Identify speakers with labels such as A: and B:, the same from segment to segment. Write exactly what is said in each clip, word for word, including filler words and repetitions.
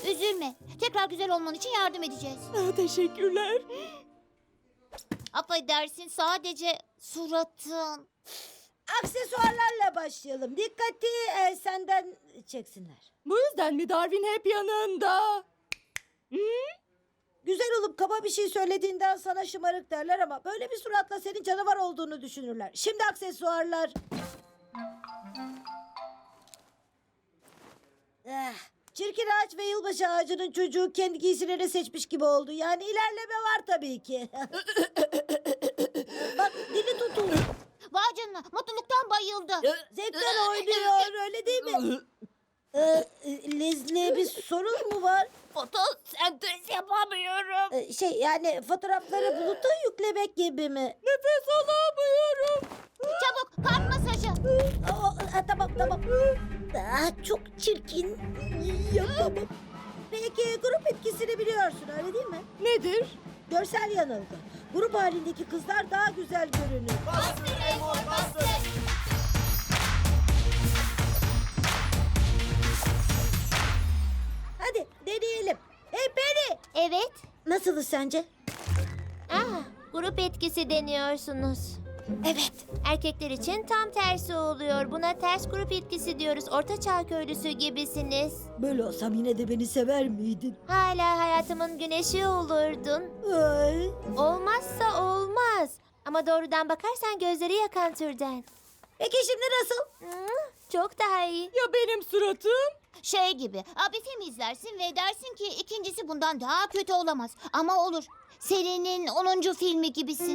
A: Üzülme. Tekrar güzel olman için yardım edeceğiz.
B: Ah, teşekkürler.
A: Affedersin, sadece suratın.
C: Aksesuarlarla başlayalım. Dikkati e, senden çeksinler.
B: Bu yüzden mi Darwin hep yanında?
C: Güzel olup kaba bir şey söylediğinden sana şımarık derler ama böyle bir suratla senin canavar olduğunu düşünürler. Şimdi aksesuarlar. Eh, çirkin ağaç ve yılbaşı ağacının çocuğu kendi giysilerini seçmiş gibi oldu. Yani ilerleme var tabii ki. Bak dili tutuldu.
A: Vay canına, mutluluktan bayıldı.
C: Zevkten oynuyor öyle değil mi? Ee, Leslie bir sorun mu var?
A: Fotosentez yapamıyorum.
C: Ee, şey yani fotoğrafları buluta yüklemek gibi mi?
B: Nefes alamıyorum.
A: Çabuk, kalp masajı.
C: Aa, ha, tamam tamam. Aa, çok çirkin. Yapamam. Peki grup etkisini biliyorsun öyle değil mi?
B: Nedir?
C: Görsel yanılgı. Grup halindeki kızlar daha güzel görünür. Hadi deneyelim. Hey Penny.
A: Evet.
C: Nasılız sence?
A: Ah, grup etkisi deniyorsunuz.
C: Evet.
A: Erkekler için tam tersi oluyor. Buna ters grup etkisi diyoruz. Ortaçağ köylüsü gibisiniz.
C: Böyle olsam yine de beni sever miydin?
A: Hala hayatımın güneşi olurdun.
C: Ay.
A: Olmazsa olmaz. Ama doğrudan bakarsan gözleri yakan türden.
C: Peki şimdi nasıl?
A: Hmm, çok daha iyi.
B: Ya benim suratım?
A: Şey gibi, abi film izlersin ve dersin ki ikincisi bundan daha kötü olamaz. Ama olur. Serinin onuncu filmi gibisin.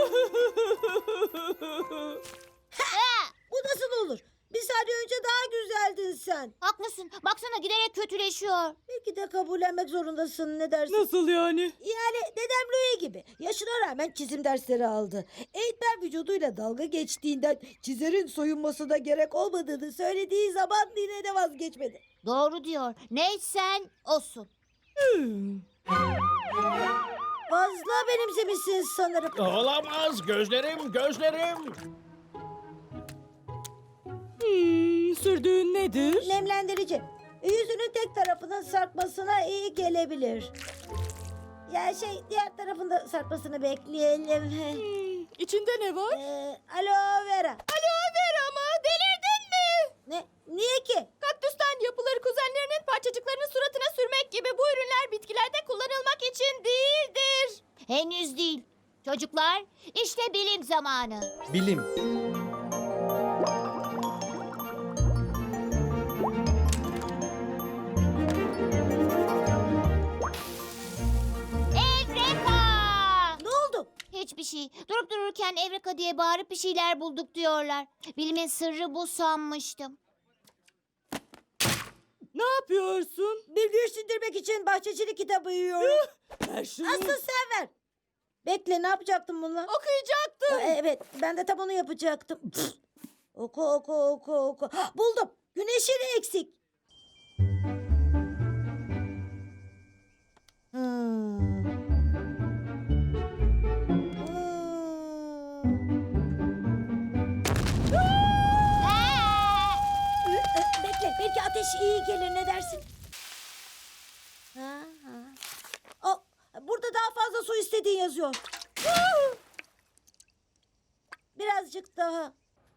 C: Bu nasıl olur? Bir saniye önce daha güzeldin sen.
A: Haklısın. Baksana giderek kötüleşiyor.
C: Belki de kabullenmek zorundasın ne dersin?
B: Nasıl yani?
C: Yani dedem Louis gibi. Yaşına rağmen çizim dersleri aldı. Eğitmen vücuduyla dalga geçtiğinden çizerin soyunmasına gerek olmadığını söylediği zaman yine de vazgeçmedi.
A: Doğru diyor. Neysen olsun.
B: Hmm.
C: Fazla benimsemişsin sanırım.
D: Olamaz. Gözlerim, gözlerim.
B: Hmm, sürdüğün nedir?
C: Nemlendirici. Yüzünün tek tarafının sarkmasına iyi gelebilir. Ya şey diğer tarafında sarkmasını bekleyelim.
B: Hmm, içinde ne var?
C: Ee, aloe vera.
B: Aloe vera mı? Delirdin mi?
C: Ne? Niye ki?
B: Kaktüsten yapılır, kuzenlerinin parçacıklarını suratına sürmek gibi bu ürünler bitkilerde kullanılmak için değildir.
A: Henüz değil. Çocuklar, işte bilim zamanı.
D: Bilim.
A: Evreka!
C: Ne oldu?
A: Hiçbir şey. Durup dururken Evreka diye bağırıp bir şeyler bulduk diyorlar. Bilimin sırrı bu sanmıştım.
B: Ne yapıyorsun?
C: Bir güç sindirmek için bahçecilik kitabı yiyorum.
B: Ver şunu.
C: Asıl sen ver. Bekle ne yapacaktım bununla?
B: Okuyacaktım.
C: Ee, Evet ben de tam onu yapacaktım. Pf! Oku oku oku oku. Hah, buldum. Güneşin eksik. Hmm. Hmm. Ee, Bekle belki ateş iyi gelir ne dersin? Ha, ha. Aa, burada daha fazla su istediğin yazıyor. Birazcık daha.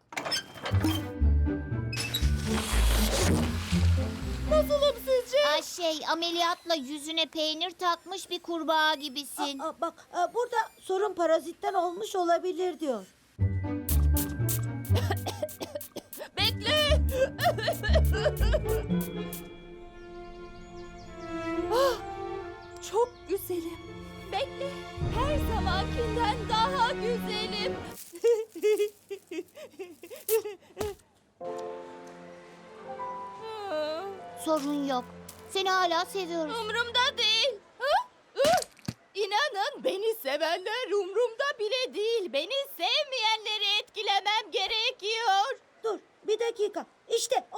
B: Nasılım sizce?
A: Ay şey, ameliyatla yüzüne peynir takmış bir kurbağa gibisin.
C: Aa, bak aa, burada sorun parazitten olmuş olabilir diyor.
B: Bekle. Ah, çok güzelim. Bekle. Her zamankinden daha güzelim.
A: Sorun yok. Seni hala seviyoruz.
B: Umrumda değil. Ha? Ih! İnanın beni sevenler umrumda bile değil. Beni sevmeyenleri etkilemem gerekiyor.
C: Dur bir dakika. İşte